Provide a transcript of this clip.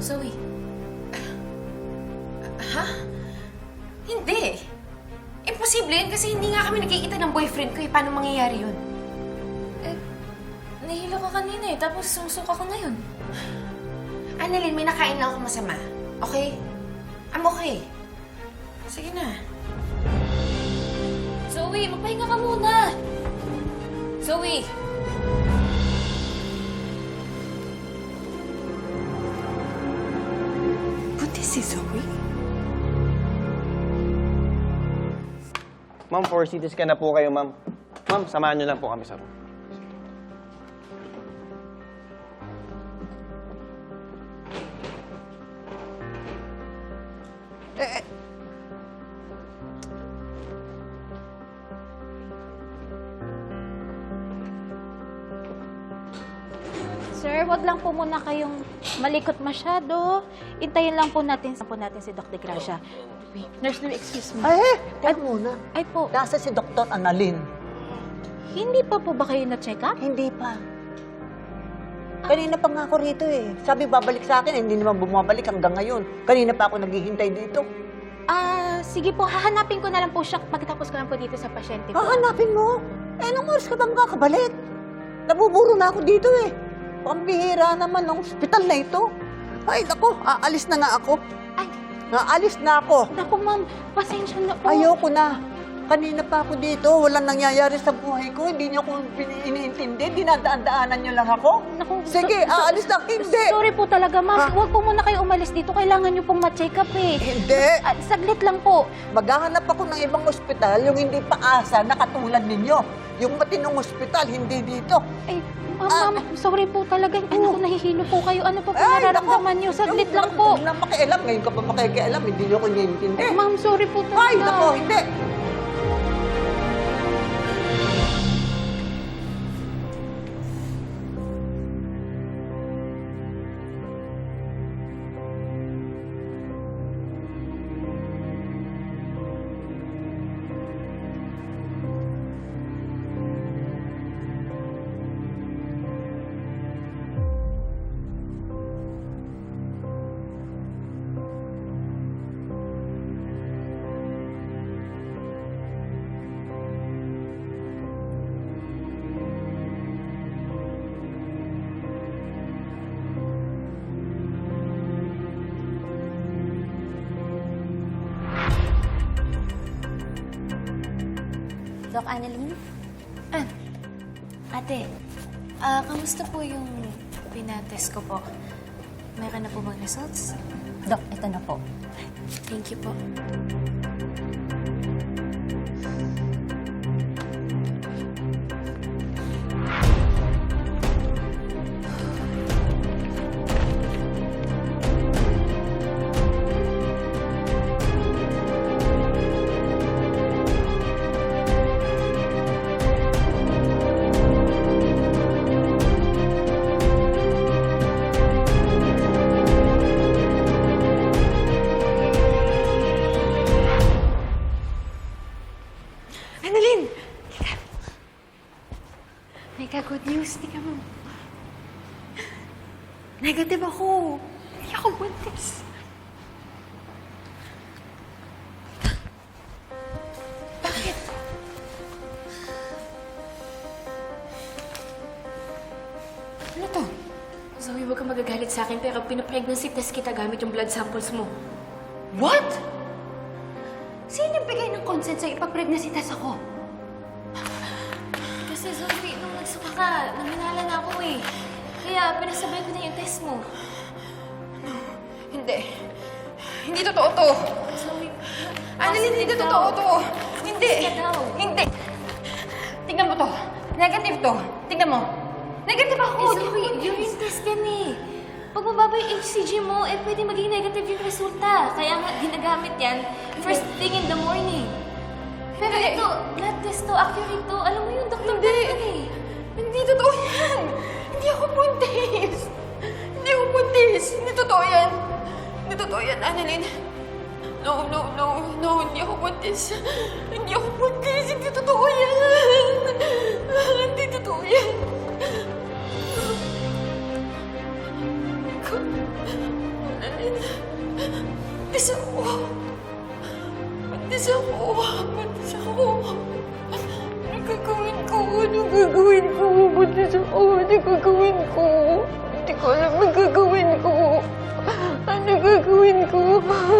Zoe. Ha? Hindi. Imposible yun kasi hindi nga kami nagkikita ng boyfriend ko eh. Paano mangyayari yun? Eh, nahilo ka kanina eh, tapos sumusuka ka ngayon. Annalyn, may nakain lang ako masama. Okay? I'm okay. Sige na. Zoe, magpahinga ka muna! Zoe! Buti si Zoe. Ma'am, 4 CT scan na po kayo, ma'am. Ma'am, samahan niyo lang po kami sa room. Sir, wag lang po muna kayong malikot masyado. Intayin lang po natin si Doc De Gracia. Wait, Nurse Louie, excuse me. Ay, teka muna. Ay po, Nasa si Dr. Annalyn. hindi pa po ba kayo na-check up? Hindi pa. Kanina pa nga ako rito eh. Sabi babalik sa akin, hindi naman bumabalik hanggang ngayon. Kanina pa ako naghihintay dito. Sige po, hahanapin ko na lang po siya pagkatapos ko lang po dito sa pasyente ko. Hahanapin mo? Eh, anong oras ka bang kakabalik? Nabuburo na ako dito eh. Pambihira naman ng ospital na ito. Ay, naku, aalis na nga ako. Ay, Aalis na ako. naku ma'am, pasensya na po. Ayoko na. Kanina pa ako dito, walang nangyayari sa buhay ko. Hindi niyo ako iniintindi. Dinadaan-daanan niyo lang ako. Naku, Sige, aalis na. Hindi. Sorry po talaga ma'am. Ha? Huwag po muna kayo umalis dito. Kailangan niyo pong ma-check up eh. Hindi. Saglit lang po. Maghahanap ako ng ibang ospital, yung hindi paasa na katulad ninyo. Yung matinong ospital, hindi dito. Ay, ma'am, sorry po talaga. Ano ko, nahihilo po kayo. Ano po po nararamdaman niyo? Saglit lang po. Huwag na makialam. Ngayon ka pa makikialam. Hindi niyo ko iniintindi. Ma'am, sorry po talaga. Ay, nako, hindi. Doc Annalyn? Ate, kamusta po yung pinatest ko po? Meron na po bang results? Dok, ito na po. Thank you po. Annalyn! Teka. May good news. Tika mo. Negative ako. Hindi ako buntis. Bakit? Ano to? Zoe, huwag kang magagalit sa akin pero pinapregnancy test kita gamit yung blood samples mo. What? Sino bigay ng consent sa'yo ipag-pregnancy test ako? Kasi Zoe, nung nagsuka ka, naminala na ako eh. Kaya pinasabay ko na yung test mo. Hindi. Hindi totoo to. Zoe, Annalyn, hindi totoo to. Hindi. Ka daw. Hindi. Tingnan mo to. Negative to. Tingnan mo. Negative ako. Eh, Zoe, urine test yan eh. Pag mababa yung HCG mo, eh pwede maging negative yung resulta. Kaya nga, ginagamit yan first thing in the morning. Pero Hindi. ito, blood test to, accurate to. Alam mo yung doktor Hindi. ko eh. Hindi totoo yan. Hindi ako buntis. Hindi ako buntis. Hindi totoo yan. Hindi totoo yan, Annalyn. No, no, no, no. Hindi ako buntis. Hindi ako buntis. Hindi totoo yan. Hindi totoo yan. Annalyn. Buntis ako. Buntis ako. Buntis ako. Ano gagawin ko? Ano gagawin ko? Buntis ako. Ano gagawin ko? Hindi ko alam ang gagawin ko. Ano gagawin ko?